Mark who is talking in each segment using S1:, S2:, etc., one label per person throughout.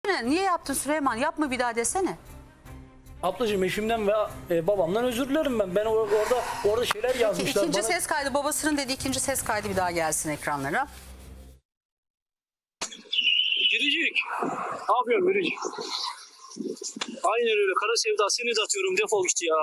S1: Niye yaptın Süleyman? Yapma bir daha desene.
S2: Ablacığım eşimden ve babamdan özür dilerim ben. Ben orada şeyler yazmışlar
S1: İkinci
S2: bana.
S1: ses kaydı, babasının dediği ikinci ses kaydı bir daha gelsin ekranlara.
S3: Biricik. Ne yapıyorsun Biricik? Aynen öyle. Kara sevda seni de atıyorum. Defol git ya.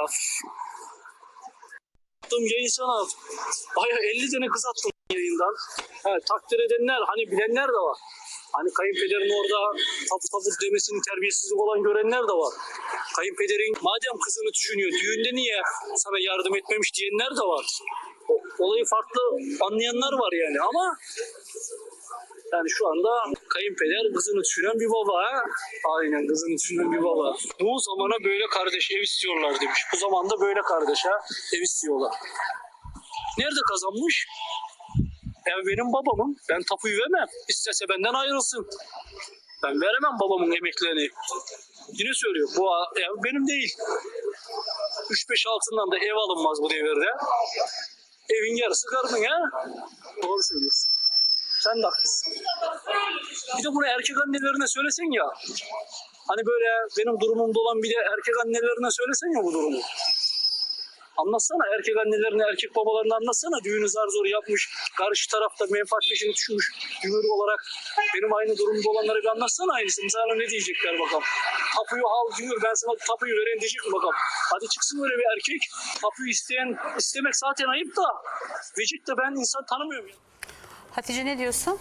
S3: Attığım yayın sana. Baya 50 tane kız attım yayından. Ha, takdir edenler, hani bilenler de var. Hani kayınpederin orada tapu demesinin terbiyesizlik olan görenler de var. Kayınpederin madem kızını düşünüyor, düğünde niye sana yardım etmemiş diyenler de var. Olayı farklı anlayanlar var yani ama yani şu anda kayınpeder kızını düşünen bir baba. Ha? Aynen, kızını düşünen bir baba. Bu zamana böyle kardeş ev istiyorlar demiş. Bu zamanda böyle kardeş ev istiyorlar. Nerede kazanmış? Ev benim babamın. Ben tapuyu vermem. İstese benden ayrılsın. Ben veremem babamın emeklerini. Yine söylüyorum. Bu ev benim değil. 3-5 altından da ev alınmaz bu devirde. Evin yarısı karnın ha. Doğru söylüyorsun. Sen de haklısın. Bir de bunu erkek annelerine söylesen ya. Hani böyle benim durumumda olan bir de erkek annelerine söylesen ya bu durumu. Anlatsana erkek annelerine, erkek babalarına anlatsana. Düğünü zar zor yapmış, karşı tarafta menfaat peşine düşmüş gümrük olarak. Benim aynı durumda olanlara bir anlatsana aynısını. Sana ne diyecekler bakalım. Tapuyu al diyor, ben sana tapuyu veren diyecek mi bakalım. Hadi çıksın öyle bir erkek. Tapuyu istemek zaten ayıp da. Vecik de ben insan tanımıyorum ya.
S1: Hatice ne diyorsun?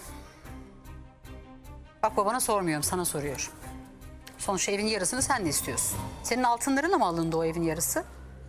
S1: Bak babana sormuyorum, sana soruyorum. Sonuçta evin yarısını sen de istiyorsun. Senin altınlarınla mı alındı o evin yarısı?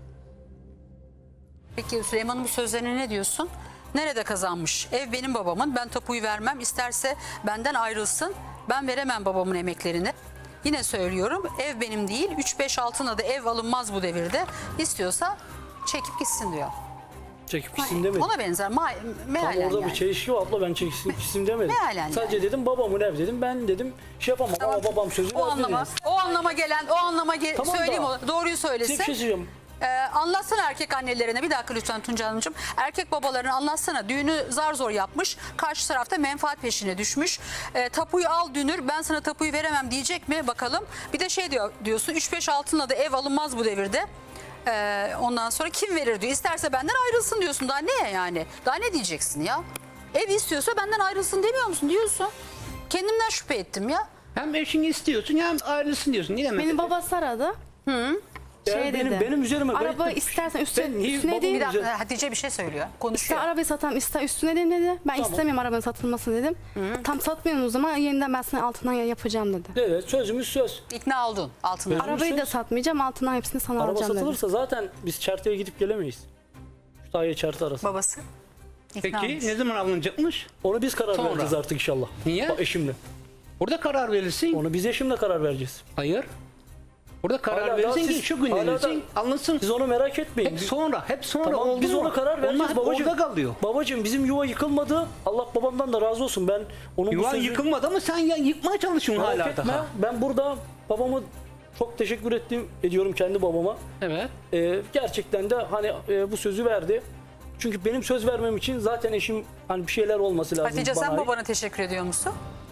S1: Peki Süleyman'ın bu sözlerine ne diyorsun? Nerede kazanmış? Ev benim babamın. Ben tapuyu vermem. İsterse benden ayrılsın. Ben veremem babamın emeklerini. Yine söylüyorum. Ev benim değil. 3-5 altına da ev alınmaz bu devirde. İstiyorsa çekip gitsin diyor.
S2: Çekip gitsin demedim.
S1: Ona benzer.
S2: Tam
S1: Mealen
S2: orada
S1: yani.
S2: bir çelişki var abla, ben çekip gitsin demedim.
S1: Mealen
S2: Sadece dedim babamın ev dedim. Ben dedim şey yapamam
S1: Tamam.
S2: ama babam sözü verdi dedim.
S1: O anlama
S2: Tamam
S1: söyleyeyim
S2: da.
S1: o. Doğruyu
S2: Size
S1: söylesin.
S2: bir şey söyleyeceğim.
S1: Anlatsana erkek annelerine, bir dakika lütfen Tunca Hanımcığım. Erkek babalarına anlatsana, düğünü zar zor yapmış, karşı tarafta menfaat peşine düşmüş. Tapuyu al dünür, ben sana tapuyu veremem diyecek mi bakalım. Bir de şey diyorsun 3-5 altınla da ev alınmaz bu devirde. Ondan sonra kim verir diyor. İsterse benden ayrılsın diyorsun, daha ne yani? Daha ne diyeceksin ya? Ev istiyorsa benden ayrılsın demiyor musun? Diyorsun. Kendimden şüphe ettim ya.
S4: Hem eşini istiyorsun hem ayrılsın diyorsun. Ne demek?
S5: Benim babası aradı.
S2: Yani
S5: dedi.
S2: benim üzerime
S5: Araba
S2: garip-
S5: istersen
S2: Ben
S5: üstüne
S2: niye
S5: değil.
S2: babamın
S1: Bir dakika
S2: üzerine-
S1: Hatice bir şey söylüyor.
S5: İster
S1: Konuşuyor.
S5: arabayı satam ister üstüne dedim dedi. Ben
S2: Tamam.
S5: istemiyorum arabanın satılmasını dedim. Tam satmıyorum o zaman yeniden ben sana altından yapacağım dedi.
S2: Evet, sözümüz söz.
S1: İkna oldun altından.
S2: Ara-
S5: Arabayı da
S2: söz.
S5: satmayacağım altından hepsini sana
S2: Araba
S5: alacağım dedi.
S2: satılırsa zaten biz Çerte'ye gidip gelemeyiz. Kütahya Çerte arası.
S1: Babası. İkna
S4: Peki
S1: olmuş.
S4: ne zaman alınacakmış?
S2: Onu biz karar
S4: Sonra.
S2: vereceğiz artık inşallah.
S4: Niye?
S2: Bak, eşimle.
S4: Orada karar verirsin.
S2: Onu biz eşimle karar vereceğiz.
S4: Hayır. Orada karar
S2: Hala
S4: verirsin
S2: daha
S4: ki
S2: siz-
S4: şu gün
S2: hala
S4: verirsin.
S2: da-
S4: Alınsın.
S2: Siz onu merak etmeyin.
S4: Hep sonra
S2: Tamam,
S4: oldu
S2: biz
S4: mu?
S2: ona karar vereceğiz
S4: Onlar hep
S2: babacığım.
S4: orada kalıyor.
S2: Babacığım bizim yuva yıkılmadı. Allah babamdan da razı olsun. Ben onun bu
S4: Yuvan
S2: sözü
S4: yıkılmadı ama sen yıkmaya çalışıyorsun
S2: merak
S4: hala
S2: etme.
S4: daha.
S2: Ben burada babamı çok teşekkür ediyorum kendi babama.
S4: Evet.
S2: Gerçekten de hani bu sözü verdi. Çünkü benim söz vermem için zaten eşim hani bir şeyler olması lazım
S1: Hatice
S2: bana
S1: sen
S2: ait.
S1: babana teşekkür ediyor musun?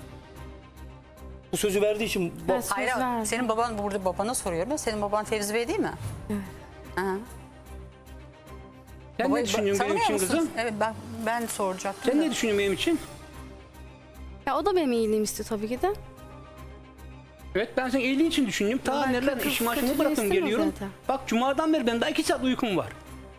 S2: Bu sözü verdiği için
S5: Evet. Söz
S1: Hayır,
S5: verdim.
S1: senin baban burada, babana soruyorum. Senin baban Fevzi Bey değil mi? Evet.
S4: Sen ne düşünüyorsun benim için kızım?
S1: Evet, ben soracaktım.
S4: Sen
S1: da.
S4: ne düşünüyorsun benim için?
S5: Ya o da benim iyiliğimi istiyor tabii ki de.
S4: Evet, ben senin iyiliğin için düşünüyorum. Ta
S5: Ben
S4: neler
S5: kötü-
S4: işim
S5: kötülüğü
S4: aşımı bıraktım
S5: istemem
S4: geliyorum.
S5: zaten.
S4: Bak cumadan beri benim daha 2 saat uykum var.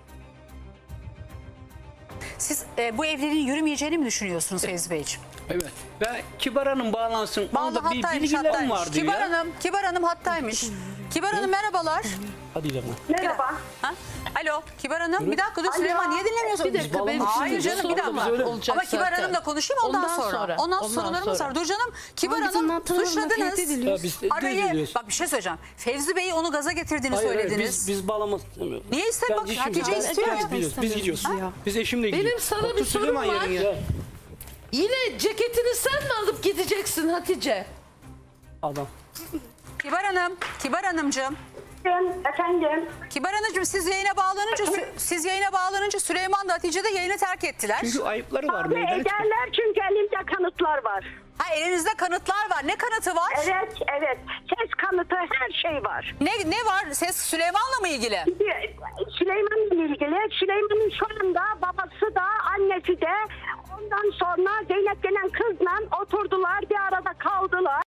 S1: Siz bu evliliğin yürümeyeceğini mi düşünüyorsunuz Fevzi Beyciğim?
S4: Evet. Ve Kibar Hanım bağlansın. Onda bir
S1: Hattaymış,
S4: bilgilerim var diyor.
S1: Kibar Hanım hattaymış. Kibar Hanım merhabalar.
S2: hadi canım.
S6: Merhaba.
S1: Ha? Alo Kibar Hanım, bir dakika dur Süleyman, niye dinlemiyorsun?
S5: Bir dakika, benim
S1: Hayır
S5: şimdi
S1: canım, bir
S5: sorum
S1: dakika.
S2: var.
S5: Olacak
S1: Ama Kibar
S5: zaten.
S1: Hanım'la konuşayım ondan sonra. Ondan sorularımız var. Dur canım, Kibar
S5: Ama bizim
S1: Hanım
S5: hatırlamamla
S1: suçladınız.
S5: tehdit ediliyor.
S2: Ya biz
S1: Arayı,
S2: ediyoruz.
S1: bak bir şey söyleyeceğim. Fevzi Bey'i onu gaza getirdiğini
S2: Hayır,
S1: söylediniz.
S2: biz bağlamak istemiyoruz.
S1: Niye istemiyor? Bak, Hatice istiyor ya.
S2: Biz gidiyoruz. Biz gidiyoruz. Biz eşimle gidiyoruz.
S7: Benim sana bir
S4: Otur
S7: sorum
S4: Süleyman
S7: var.
S4: yerine.
S2: Ya,
S7: Yine ceketini sen mi alıp gideceksin Hatice?
S2: adam.
S1: Kibar Hanım, Kibar Hanımcığım.
S6: Efendim.
S1: Kibar Hanımcığım siz yayına bağlanınca Süleyman da Hatice de yayını terk ettiler.
S4: Çünkü ayıpları var.
S6: Abi
S4: meydana çıkıyor.
S6: ederler çünkü elimde kanıtlar var.
S1: Ha, elinizde kanıtlar var. Ne kanıtı var?
S6: Evet. Ses kanıtı her şey var.
S1: Ne var? Ses Süleyman'la mı ilgili?
S6: Süleyman'la ilgili. Süleyman'ın şu anda babası da annesi de ondan sonra Zeynep denen kızla oturdular, bir arada kaldılar.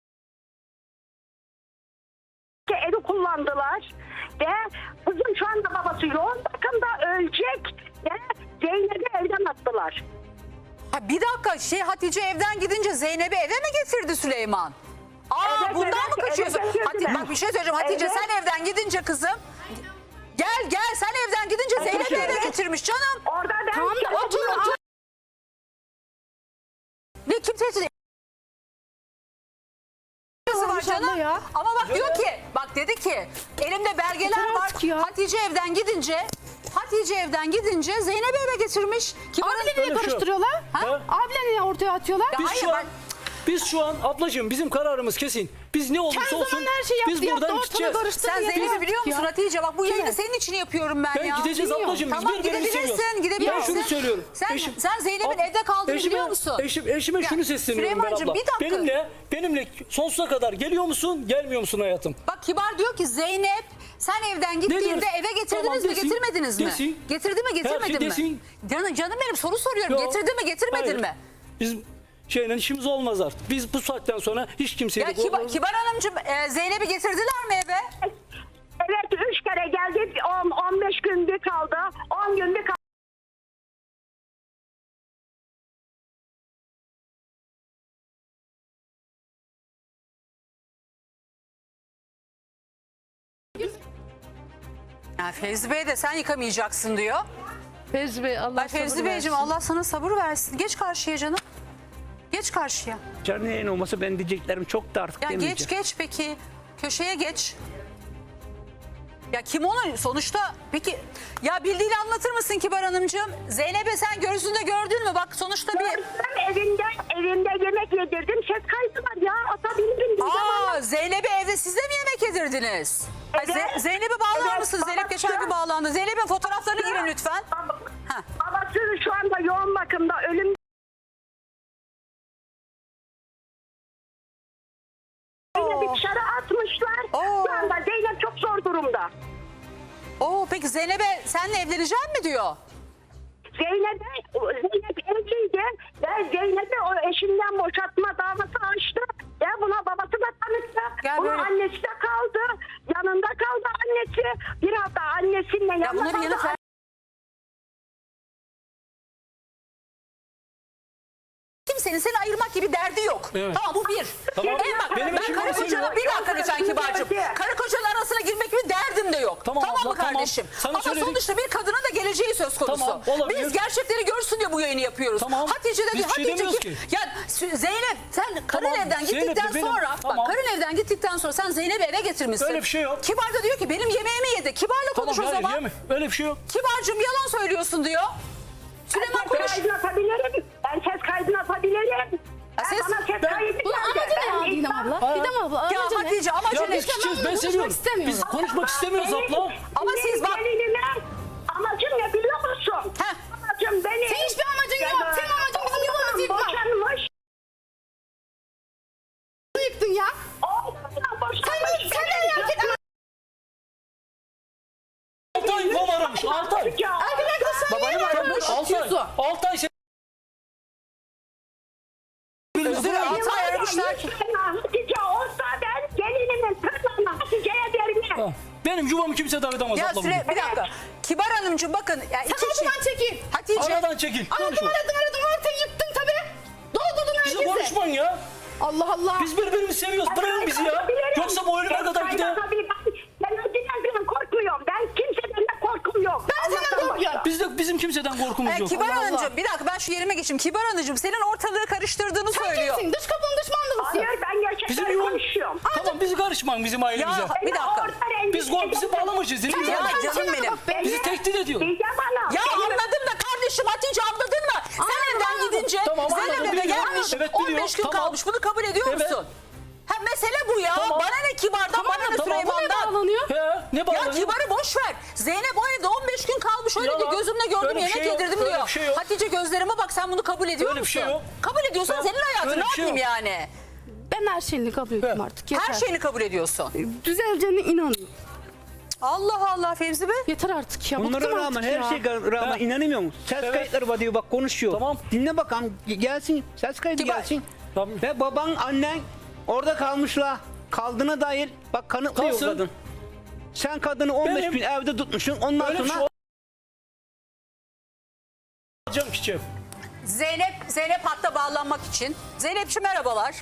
S6: Evi kullandılar ve kızın şu anda babası yoğun bakımda, ölecek ve Zeynep'i evden attılar.
S1: Ha, bir dakika Hatice evden gidince Zeynep'i eve mi getirdi Süleyman?
S6: Evet,
S1: Bundan
S6: evet,
S1: mı kaçıyorsun?
S6: eve getirdiler.
S1: Bak bir şey söyleyeceğim Hatice,
S6: Evet.
S1: sen evden gidince kızım. Gel sen evden gidince Zeynep'i eve getirmiş canım.
S6: Orada ben
S5: Tamam da otur.
S1: Ne kim tehdit var
S5: Olmuş
S1: canım?
S5: abla ya.
S1: Ama bak diyor ki, bak dedi ki elimde belgeler
S5: Yeter
S1: var.
S5: artık ya.
S1: Hatice evden gidince Zeynep'i eve getirmiş.
S5: Abiyle niye
S2: Öyle bir şey yok.
S5: karıştırıyorlar?
S2: Ha?
S5: Abiyle niye ortaya atıyorlar?
S1: Ya hayır,
S2: Biz şu an ablacığım bizim kararımız kesin. Biz ne olursa
S5: Kendi
S2: olsun
S5: zaman her şeyi
S2: biz
S5: yaptı,
S2: buradan
S5: ortalığı
S2: gideceğiz.
S5: karıştırdı.
S1: sen
S5: yeter
S1: Zeynep'i
S5: artık
S1: biliyor musun
S5: ya.
S1: Hatice? Bak bu yayını
S5: Kim?
S1: senin için yapıyorum ben ya.
S2: Gideceğiz
S5: Biliyorum.
S2: ablacığım. Biz
S1: Tamam,
S2: birbirimizi seviyoruz.
S1: gidebilirsin.
S2: Ben şunu söylüyorum.
S1: Sen Zeynep'in evde kaldığını biliyor musun?
S2: Eşime
S1: Ya,
S2: şunu sesleniyorum ben
S1: Süleymancığım,
S2: abla.
S1: bir dakika.
S2: Benimle sonsuza kadar geliyor musun, gelmiyor musun hayatım?
S1: Bak Kibar diyor ki Zeynep sen evden gittiğinde
S2: diyorsun?
S1: eve getirdiniz
S2: Tamam,
S1: mi
S2: desin,
S1: getirmediniz mi?
S2: desin.
S1: Getirdi mi
S2: Her şey
S1: getirmedi mi?
S2: desin.
S1: Canım benim soru soruyorum.
S2: Yok.
S1: Getirdi mi getirmedin
S2: Hayır.
S1: mi?
S2: Biz işimiz olmaz artık. Biz bu saatten sonra hiç kimseyle...
S1: Ya Kibar Hanımcığım Zeynep'i getirdiler mi eve?
S6: Evet 3 kere geldi, 15 gün bir kaldı, 10 gün bir kaldı.
S1: Ya Fevzi Bey de sen yıkamayacaksın diyor.
S7: Fevzi Bey Allah
S1: Bak Fevzi
S7: sabır
S1: Beyciğim
S7: versin.
S1: Allah sana sabır versin. Geç karşıya canım. Geç karşıya.
S4: Canlı yayın olmasa ben diyeceklerim çok da artık
S1: Ya
S4: demeyeceğim.
S1: geç peki. Köşeye geç. Ya kim onu sonuçta peki ya bildiğini anlatır mısın Kibar Hanımcığım? Zeynep'e sen gözünde gördün mü? Bak sonuçta bir...
S6: Ben evimde yemek yedirdim, ses kaydı var ya, atabilirim.
S1: Zeynep'i evde siz de mi yemek yedirdiniz? Ay,
S6: Evet.
S1: Zeynep'e bağlar
S6: Evet,
S1: mısın? Zeynep geçen gün
S6: babası-
S1: bağlandı. Zeynep'in fotoğraflarına girin lütfen. Ha.
S6: Babası şu anda yoğun bakımda, ölüm. Zeynep'i dışarı atmışlar.
S1: Oo.
S6: Şu anda Zeynep çok zor durumda.
S1: Peki Zeynep'e senle evleneceğim mi diyor?
S6: Zeynep evliydi ve Zeynep'i o eşinden boşatma davası açtı. Ve buna babası da tanıktı.
S1: Gel
S6: Bunun
S1: böyle.
S6: annesi de kaldı. Yanında kaldı annesi. Bir hafta annesinle
S1: Ya
S6: yanında
S1: bunların yanı
S6: kaldı.
S1: Kimsenin seni ayırmak gibi derdi yok.
S2: Evet.
S1: Tamam bu bir.
S2: Tamam.
S1: Bak
S2: Benim
S1: ben
S2: eşim
S1: karı
S2: beni
S1: kocanın
S2: seviyor.
S1: bir dakika lütfen Kibar'cığım.
S6: Evet.
S1: Karı kocanın arasına girmek gibi derdim de yok.
S2: Tamam abla,
S1: mı
S2: tamam.
S1: kardeşim?
S2: Sana
S1: Ama
S2: söyledik.
S1: sonuçta bir kadının da geleceği söz konusu.
S2: Tamam, olabilir.
S1: Biz gerçekleri görsün diye bu yayını yapıyoruz.
S2: Tamam.
S1: Hatice de
S2: Biz
S1: diyor
S2: bir şey demiyoruz
S1: kim?
S2: ki.
S1: Ya Zeynep sen karın
S2: Tamam,
S1: evden
S2: Zeynep de
S1: gittikten
S2: benim-
S1: sonra
S2: tamam.
S1: bak karın evden gittikten sonra sen Zeynep'i eve getirmişsin.
S2: Öyle bir şey yok.
S1: Kibar da diyor ki benim yemeğimi yedi. Kibar'la konuş o
S2: Tamam,
S1: zaman.
S2: yeme. Öyle bir şey yok.
S1: Kibar'cığım yalan söylüyorsun diyor. Süleyman
S6: Ses
S1: konuş.
S6: kaydını atabilirim. Ben ses kaydını atabilirim.
S1: ses-
S6: Bana ses
S2: ben-
S6: kaydı
S5: Bunun
S6: geldi.
S5: amacı ne
S6: Ben
S5: ya Didem
S6: iddia-
S5: abla? Didem abla
S1: Ya
S5: amacı ne?
S1: Hatice amacı
S2: Ya
S1: ne?
S2: biz gideceğiz, ben
S5: konuşmak
S2: seviyorum.
S5: istemiyorum.
S2: Biz konuşmak istemiyoruz abla.
S1: Ama siz bak-
S6: Gelinime amacım ne biliyor musun?
S1: Heh.
S6: Amacım benim.
S5: Senin hiçbir amacın yok. Senin amacın bizim yuvamızı yıkmak.
S6: Boşanmış.
S5: Yıktın ya. Sen nereye hak ettin?
S2: 6 ay yuvam aramış. 6 ay.
S5: Erkek arkadaşlar
S1: Babanı mı aramış?
S2: 6 ay. 6 ay.
S1: Özür dilerim. 6 ay aramışlar ki.
S6: Hatice olsa ben gelinimin tırnağını Hatice'ye vermem.
S2: Benim yuvamı kimse davet edemez
S1: Ya
S2: abla.
S1: bir dakika. Kibar Hanımcığım bakın. Ya
S5: Sen
S1: iki
S5: aradan çekil.
S1: Hatice.
S2: Aradan çekil. Konuşma.
S5: Aradım ortaya yıktın tabii. Doldurdun
S2: Bizi
S5: herkese.
S2: konuşmayın ya.
S5: Allah Allah.
S2: Biz birbirimizi seviyoruz. Bırakın bizi ya. Yoksa bu ölüme kadar gider.
S6: Ben önceden korkmuyorum. Ben kimseden de korkum yok.
S5: Ben senden
S6: Allah'tan
S5: korkuyorum.
S6: başka.
S2: Bizim kimseden korkumuz yok.
S1: Kibar
S5: Allah Allah.
S1: Hanımcığım bir dakika ben şu yerime geçeyim. Kibar Hanımcığım senin ortalığı karıştırdığını
S5: Sen
S1: söylüyor.
S5: kimsin? Dış kapının düşmanı mısın?
S6: Hayır ben gerçekten
S2: Bizim yuvam.
S6: konuşuyorum.
S2: Tamam bizi karışmayın bizim ailemize.
S1: Ya bir dakika.
S2: Bizi bağlamışız.
S1: Ya canım benim.
S2: Bizi tehdit ediyor.
S6: Diyeceğim bana.
S1: Ya anladım da kardeşim Hatice anladın mı? Sen evden gidince
S2: Tamam,
S1: Zeynep
S2: anladım,
S1: eve
S2: biliyorum.
S1: gelmiş.
S2: Evet,
S1: 15
S2: biliyorum.
S1: gün
S2: Tamam.
S1: kalmış. Bunu kabul ediyor
S2: Evet.
S1: musun? Ha mesele bu ya.
S2: Tamam.
S1: Bana ne Kibar'dan, bana ne
S2: tamam.
S5: Bu ne
S1: Süleyman'dan.
S5: bağlanıyor?
S2: He, ne
S1: Ya
S2: bir şey yok.
S1: Hatice gözlerime bak, sen bunu kabul ediyor
S2: Öyle bir
S1: musun?
S2: şey yok.
S1: Kabul ediyorsan
S2: Ben-
S1: senin hayatın,
S2: öyle
S1: ne
S2: bir şey
S1: yapayım
S2: yok.
S1: yani?
S5: Ben her şeyini kabul ediyorum artık. Yeter.
S1: Her şeyini kabul ediyorsun.
S5: Düzeleceğine inanıyorum.
S1: Allah Allah Fevzi Bey.
S5: Yeter artık ya.
S4: Bunlara
S5: bıktım
S4: rağmen,
S5: artık
S4: her
S5: ya.
S4: şeye rağmen
S2: Ha.
S4: inanamıyor musun? Ses
S2: Evet.
S4: kayıtları var diyor, bak konuşuyor.
S2: Tamam.
S4: Dinle bakalım, gelsin ses kaydı
S1: Kibar.
S4: gelsin.
S2: Tabii.
S4: Ve baban, annen orada kalmışlar. Kaldığına dair bak kanıtlıyor
S2: Kalsın.
S4: kadın. Sen kadını 15
S2: Benim-
S4: gün evde tutmuşsun. Ondan
S2: Öyle bir şey
S4: sonra
S2: olacağım ki.
S1: Zeynep hatta bağlanmak için. Zeynepciğim merhabalar.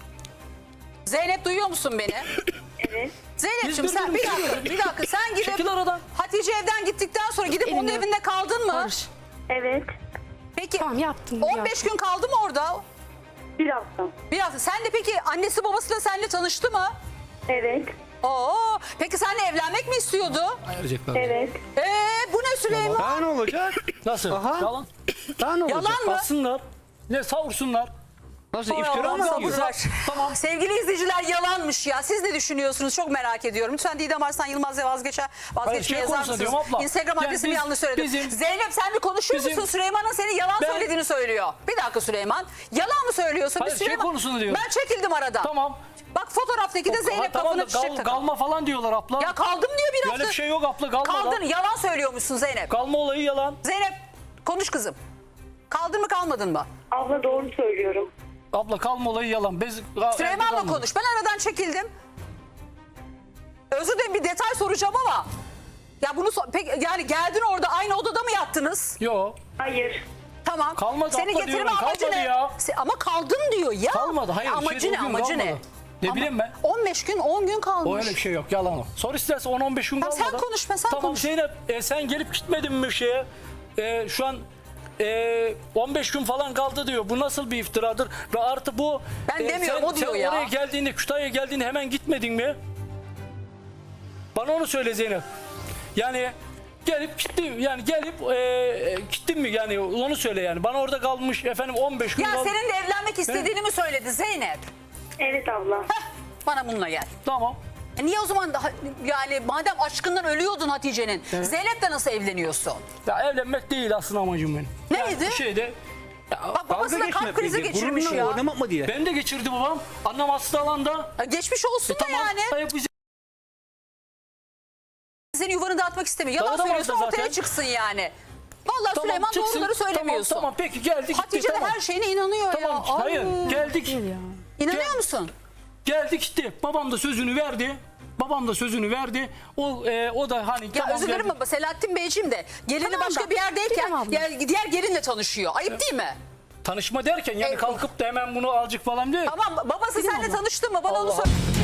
S1: Zeynep duyuyor musun beni?
S6: Evet.
S1: Zeynepciğim
S2: Biz
S1: sen
S2: birbirimizi
S1: bir dakika sen gidip
S2: Çekil aradan.
S1: Hatice evden gittikten sonra gidip onun
S5: Elini-
S1: evinde kaldın mı?
S5: Barış.
S6: Evet.
S1: Peki
S5: Tamam yaptım.
S1: 15 gün kaldı mı orada?
S6: Bir hafta.
S1: Biraz. Sen de peki annesi babası da seninle tanıştı mı?
S6: Evet.
S1: Oo. Peki seninle evlenmek mi istiyordu?
S2: Ayıracaklar.
S6: Evet.
S1: Bu ne Süleyman?
S4: daha ne olacak?
S2: Nasıl?
S4: Aha.
S2: Yalan.
S4: Daha ne olacak?
S1: Yalan mı?
S2: Bassınlar. Ne savursunlar.
S4: Nasıl
S1: Hay
S4: iftira
S1: Allah'ım,
S4: mı
S1: sabır
S4: atıyor?
S1: ver.
S2: Tamam.
S1: Sevgili izleyiciler, yalanmış ya. Siz ne düşünüyorsunuz? Çok merak ediyorum. Lütfen Didem Arslan Yılmaz'la vazgeçmeye
S2: şey
S1: yazar
S2: konusunda
S1: mısınız?
S2: diyorum abla.
S1: Instagram
S2: Yani
S1: adresimi
S2: biz-
S1: yanlış söyledim.
S2: bizim-
S1: Zeynep sen bir konuşuyor
S2: bizim-
S1: musun? Süleyman'ın senin yalan
S2: Ben-
S1: söylediğini söylüyor. Bir dakika Süleyman. Yalan mı söylüyorsun?
S2: Hayır,
S1: Biz
S2: şey
S1: Süleyman...
S2: konusunu diyor.
S1: Ben çekildim aradan.
S2: Tamam.
S1: Bak fotoğraftaki de Zeynep
S2: Tamam
S1: kafana
S2: da
S1: çiçek takıyor.
S2: kalma falan diyorlar abla.
S1: Ya kaldım diyor bir hafta.
S2: Öyle bir şey yok abla, kalma.
S1: Kaldın. Yalan söylüyormuşsun Zeynep.
S2: Kalma olayı yalan.
S1: Zeynep konuş kızım. Kaldın mı kalmadın mı?
S6: Abla doğru söylüyorum.
S2: Abla kalma olayı yalan.
S1: Süleyman'la konuş. Ben aradan çekildim. Özür dilerim, bir detay soracağım ama. Ya bunu yani geldin orada aynı odada mı yattınız?
S2: Yok.
S6: Hayır.
S1: Tamam.
S2: Kalmadı
S1: Seni
S2: abla
S1: getirme
S2: diyorum,
S1: amacı
S2: kalmadı
S1: ne?
S2: ya.
S1: Ama kaldın diyor ya.
S2: Kalmadı, hayır,
S1: Amacı
S2: şey de
S1: ne?
S2: o gün
S1: Amacı ne?
S2: kalmadı. Ne bileyim ben.
S1: 15 gün 10 gün kalmış.
S2: O öyle bir şey yok, yalan o. Sor istersen 10-15 gün
S1: Tamam,
S2: kalmadı.
S1: sen konuşma, sen
S2: tamam,
S1: konuş.
S2: Zeynep sen gelip gitmedin mi şeye? Şu an 15 gün falan kaldı diyor. Bu nasıl bir iftiradır? Ve artı bu...
S1: Ben demiyorum, o diyor
S2: sen
S1: ya.
S2: oraya geldiğinde, Kütahya'ya geldiğinde hemen gitmedin mi? Bana onu söyle Zeynep. Yani gelip gittim, yani gelip gittin mi, yani onu söyle yani. Bana orada kalmış efendim 15 gün
S1: Ya
S2: kaldı.
S1: senin de evlenmek istediğini mi söyledi Zeynep?
S6: Evet abla.
S1: Heh, bana bununla gel.
S2: Tamam.
S1: Niye o zaman daha, yani madem aşkından ölüyordun Hatice'nin, Zeynep'le nasıl evleniyorsun?
S2: Ya evlenmek değil aslında amacım benim.
S1: Neydi?
S2: Bir şeyde...
S1: Bak babasına kalp krizi geçirmiş
S4: Gururunla
S1: ya.
S4: oynamak mı diye?
S2: Ben de geçirdi babam. Annem hastalandı.
S1: Ya geçmiş olsun da
S2: Tamam.
S1: yani.
S2: Hayır, bizi-
S1: Senin yuvanı dağıtmak istemiyor. Yalan
S2: Dağıtamaz da
S1: söylüyorsun, ortaya
S2: zaten.
S1: çıksın yani. Vallahi
S2: Tamam,
S1: Süleyman
S2: çıksın.
S1: doğruları söylemiyorsun.
S2: Tamam peki geldi gitti.
S1: Hatice de
S2: tamam.
S1: her şeyine inanıyor
S2: Tamam
S1: ya.
S2: hayır
S1: Ay.
S2: geldik.
S1: İnanıyor
S2: Gel-
S1: musun?
S2: Geldi gitti. Babam da sözünü verdi. Babam da sözünü verdi. O da hani
S1: Ya
S2: tamam
S1: özür dilerim
S2: geldi.
S1: ama Selahattin Beyciğim de gelini
S5: Tamam
S1: başka
S5: da,
S1: bir yerdeyken
S5: Didem abla.
S1: diğer gelinle tanışıyor. Ayıp değil mi?
S2: Tanışma derken yani
S1: Evet.
S2: kalkıp da hemen bunu alacak falan değil.
S1: Tamam babası
S5: Didem
S1: seninle
S5: abla.
S1: tanıştı mı? Bana onu
S2: Allah
S1: söyle.